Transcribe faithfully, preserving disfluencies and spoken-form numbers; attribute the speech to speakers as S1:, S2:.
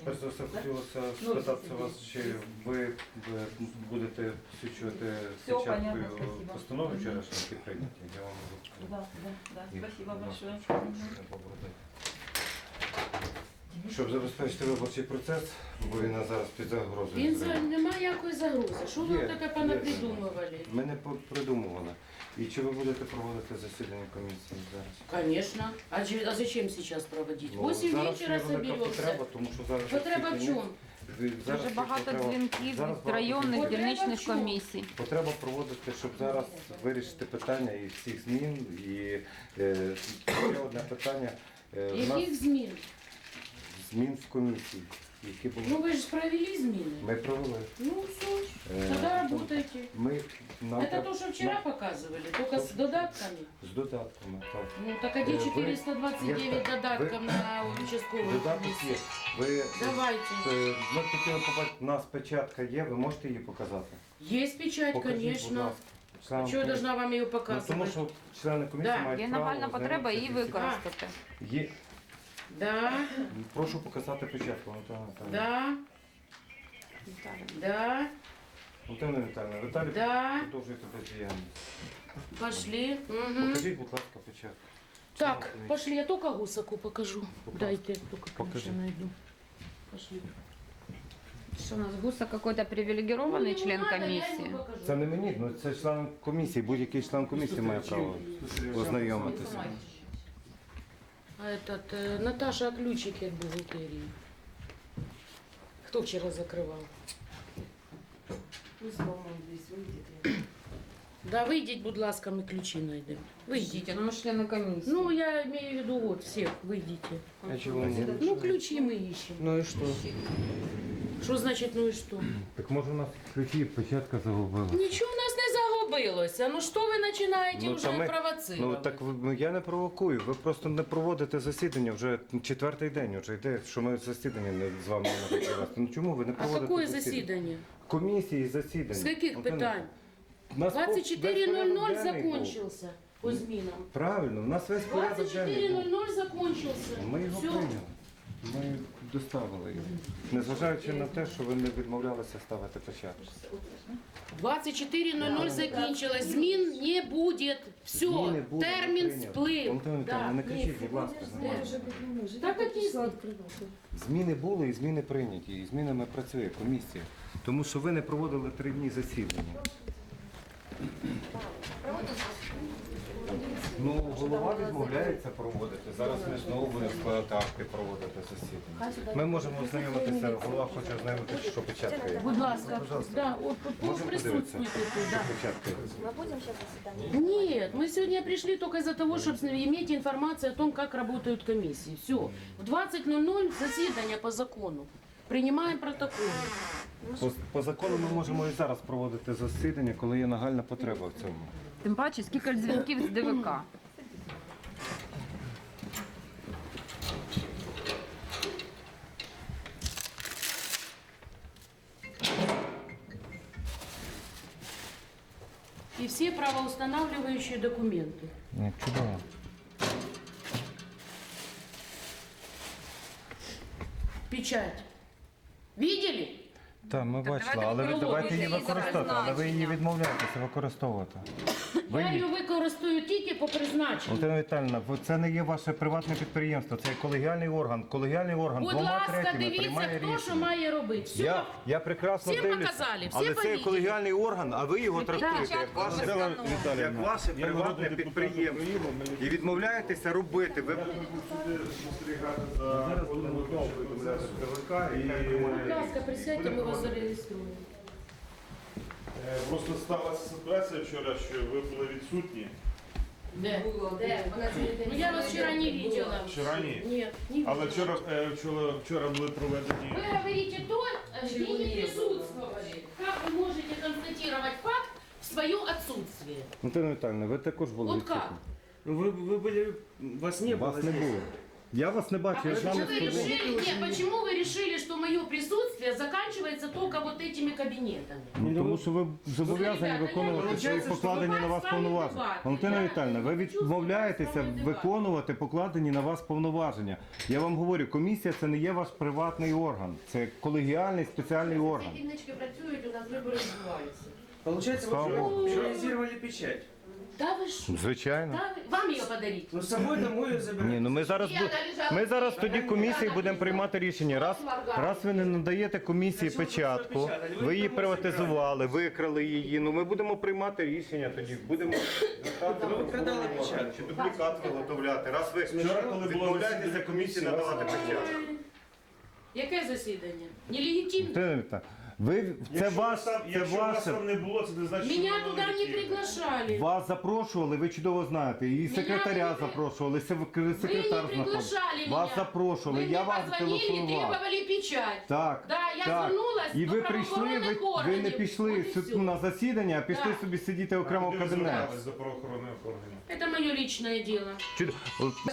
S1: Перш за все, хотілося спитатися вас, чи ви будете всучувати
S2: Всё понятно,
S1: печаткою
S2: спасибо.
S1: постанови вчорашньої, які прийняті? Я вам можу сказати.
S2: Да, да, да.
S1: І,
S2: Спасибо
S1: будь ласка,
S2: большое.
S1: щоб не поборотати. Щоб забезпечити виборчий процес, бо він зараз під загрозою.
S3: Він
S1: зриву.
S3: за немає якої загрози. Що ви
S1: Є,
S3: таке
S1: є.
S3: понапридумували?
S1: Ми не по- придумували. І чи ви будете проводити засідання комісії зараз?
S3: Конечно. А, чи- а зачем сейчас проводить?
S1: Ну,
S3: Восемь
S1: зараз
S3: вечера
S1: є велика
S3: соберемся.
S1: потреба, тому що зараз
S3: Потреба в
S1: всі
S3: чому?
S1: Ви- зараз
S4: Дуже
S1: є
S4: багато
S1: потреба-
S4: дзвінків
S1: зараз
S4: від
S1: багато
S4: районних
S3: Потреба
S4: дільничних
S3: в чому?
S4: комісій.
S1: Потреба проводити, щоб зараз вирішити питання і всіх змін. І е, ще одне питання. Е, в нас
S3: Яких змін?
S1: змін в комісії, які були.
S3: Ну ви ж провели зміни.
S1: Ми провели.
S3: Ну все,
S1: Е,
S3: тогда работайте.
S1: Ми, нам
S3: Это
S1: треба-
S3: то, что вчера показывали, только с додатками.
S1: з додатками. Так.
S3: Ну так а
S1: Е,
S3: где
S1: ви-
S3: четыреста двадцать девять
S1: є-
S3: додатков
S1: ви-
S3: на участковую
S1: Додаток є.
S3: комиссию?
S1: Ви,
S3: Давайте.
S1: е, ми хотіли побачити, у нас печатка є, ви можете її показати?
S3: Есть печать,
S1: Покажіть, будь
S3: конечно.
S1: ласка. Членам
S3: Чего я
S1: комісії.
S3: должна вам ее
S1: Ну,
S3: показывать?
S1: тому що члени комісії
S3: Да.
S1: мають
S4: Є
S1: право
S4: нагальна потреба її
S1: ознайомитися зі всім.
S4: використати.
S1: Є.
S3: Да,
S1: Прошу показати печатку, Антона Віталійовна.
S3: да, да,
S1: Антона Віталійовна, Віталій,
S3: да.
S1: продовжуйте бездіяльність.
S3: Пошли. Мгм.
S1: Покажіть, будь ласка, печатку.
S3: Так, пошли, я только гусаку покажу.
S1: Будь
S3: Дайте, только,
S1: Покажи.
S3: конечно, найду. Пошли.
S4: Що у нас Гуса какой-то привілегірований
S3: Ну,
S4: член
S3: не надо, я
S4: комісії?
S3: ему покажу.
S1: Це не мені, ну це член комісії. Будь-який член комісії має право ознайомитися.
S3: А этот, э, Наташа, а ключики от бухгалтерии? Кто вчера закрывал?
S2: Пусть, по-моему, здесь выйдет.
S3: Да, выйдите, будь ласка, мы ключи найдем. Выйдите.
S4: Ну, ми члени комісії.
S3: Ну, я имею в виду, вот, всех, выйдите.
S1: А чого ні?
S3: Ну, ключи мы ищем.
S1: Ну і що?
S3: Что значит, ну и что?
S1: Так може у нас ключі і печатка загубила.
S3: Ничего у нас не загубилося. Ну что вы начинаете
S1: Ну,
S3: уже
S1: та ми-
S3: провоцировать?
S1: Ну так ви- ну, я не провокую. Ви просто не проводите засідання вже четвертий день. Вже йде, що ми засідання не з вами не можемо провести. Ну чому ви не
S3: А
S1: проводите
S3: какое засідання?
S1: Комісії засідання.
S3: С каких
S1: Антоне,
S3: питань?
S1: у нас
S3: двадцать четыре
S1: весь
S3: ноль ноль
S1: порядок денний був.
S3: закончился по зминам.
S1: Правильно, у нас весь порядок
S3: двадцать четыре
S1: денний
S3: ноль
S1: був.
S3: ноль закончился.
S1: Ми його
S3: Все.
S1: прийняли. Ми доставили його. Незважаючи на те, що ви не відмовлялися ставити початку.
S3: двадцать четыре ноль ноль закончилось. Змін не будет. Все.
S1: Зміни будуть
S3: Термін
S1: прийняті.
S3: сплив.
S1: Антон Віталійович, не кричіть, будь ласка. нормально.
S3: Так какие зміни?
S1: Зміни були і зміни прийняті, і змінами працює комісія. Тому що ви не проводили три дні засідання. Ну, голова відмовляється проводити. Зараз ми знову будемо складати акти проводити засідання. Ми можемо ознайомитися, голова хоче ознайомитися, що печатка є.
S3: Будь ласка.
S1: Пожалуйста.
S3: Да, от, от,
S1: Можемо подивитися,
S3: присутствуйте тут.
S1: що
S3: Да.
S1: печатка є.
S5: Мы будем сейчас заседание?
S3: Нет, мы сегодня пришли только из-за того, чтобы иметь информацию о том, как работают комиссии. Все. В двадцать ноль ноль заседание по закону. Принимаем протокол.
S1: По, по закону ми можемо і зараз проводити засідання, коли є нагальна потреба в цьому.
S4: Тим паче, скільки ж дзвінків з ДВК.
S3: И все правоустанавливающие документы.
S1: Ні, чудово.
S3: Печать. Видели?
S1: Так, ми бачили,
S4: давайте
S1: але ви
S4: використовуйте
S1: давайте її
S4: її за
S1: використовувати, але ви її
S4: призначенням.
S1: відмовляєтеся використовувати. Ви
S3: Я
S1: її-
S3: її використаю тільки по призначенню.
S1: Валентина Віталіївна, бо це не є ваше приватне підприємство, це є колегіальний орган. Колегіальний орган
S3: Будь
S1: двома
S3: ласка,
S1: третіми
S3: дивіться,
S1: приймає
S3: хто що
S1: рішення.
S3: має робити. Все.
S1: Я, я прекрасно
S3: Всім
S1: дивлюся,
S3: показали, всі
S1: але це є
S3: побачили.
S1: колегіальний орган, а ви його трактуєте як ваше, як ваше приватне підприємство. І відмовляєтеся робити. Ви зараз будемо повідомляти ТВК і
S3: Будь ласка, присядьте, ми вас зареєструємо.
S6: Е, Просто сталася ситуація вчора, що ви були відсутні.
S3: Де? Де? Ну, я вас вчора не видела.
S6: Вчора ні.
S3: Нет, не видела.
S6: Але вчора, е, вчора, вчора були проведені.
S3: Вы говорите то, где не присутствовали. Как вы можете констатировать факт в свое отсутствие?
S1: Валентина Віталіївна, ви також були
S3: Вот
S1: відсутні.
S3: как?
S7: Ну, Вы, вы были, вас не
S1: Вас
S7: было
S1: не
S7: здесь.
S1: було. Я вас не
S3: А
S1: бачу, я з
S3: почему
S1: вами
S3: вы
S1: спілкуюся.
S3: решили, не, почему вы решили, что мое присутствие заканчивается только вот этими кабинетами?
S1: Ну, тому що ви зобов'язані
S3: Ребята,
S1: виконувати
S3: я
S1: свої
S3: вважаю,
S1: покладені
S3: що
S1: на вас
S3: з вами
S1: повноваження.
S3: дебати.
S1: Валентина
S3: Я
S1: Віталіївна, ви
S3: не хочу
S1: відмовляєтеся
S3: з вами дебати.
S1: виконувати покладені на вас повноваження. Я вам говорю, комісія це не є ваш приватний орган, це колегіальний спеціальний орган.
S3: Ці кіночки працюють, у нас вибори відбуваються.
S7: Получается,
S1: Слава
S7: вы
S1: Богу.
S7: реализировали печать.
S3: Да ви що?
S1: Звичайно.
S3: Да, ви- вам її подарить.
S7: Ну, с собой домой ее забирать.
S1: Ні, ну ми зараз бу- ми зараз тоді комісії будемо приймати рішення. Раз раз ви не надаєте комісії печатку, ви її приватизували, викрали її. Ну ми будемо приймати рішення тоді. Будемо звертати
S7: Ви продали печатку.
S1: чи дублікат виготовляти. Раз ви
S6: Вчора, коли було
S1: відмовляєтеся
S6: засідання
S1: комісії
S6: комісії,
S1: надавати
S6: вас
S1: печатку.
S3: Яке засідання? Нелегітимне.
S1: Валентина, Ви це
S6: Якщо
S1: ваш,
S6: вас там-
S1: це
S6: якщо вас
S1: ваше.
S6: там не було, це не значить, що
S3: Меня
S6: воно
S3: туда не
S6: легітимне.
S3: приглашали.
S1: Вас запрошували, ви чудово знаєте. І секретаря
S3: не при-
S1: запрошували, сек-
S3: Вы не
S1: секретар
S3: приглашали
S1: знаходив.
S3: меня.
S1: Вас запрошували,
S3: Вы
S1: я
S3: мне
S1: вам
S3: позвонили и
S1: телефонував.
S3: требовали печать.
S1: Так,
S3: Да, я
S1: так.
S3: звернулась
S1: І
S3: до
S1: ви прийшли, ви,
S3: правоохоронних
S1: ви не
S3: органів.
S1: пішли
S3: От і
S1: сюди
S3: всьо.
S1: на засідання, а пішли
S3: Так.
S1: собі сидіти окремо в
S6: Куди ви
S1: кабінеті.
S6: звертались до правоохоронних органів?
S3: Это мое личное дело.
S1: Чудо-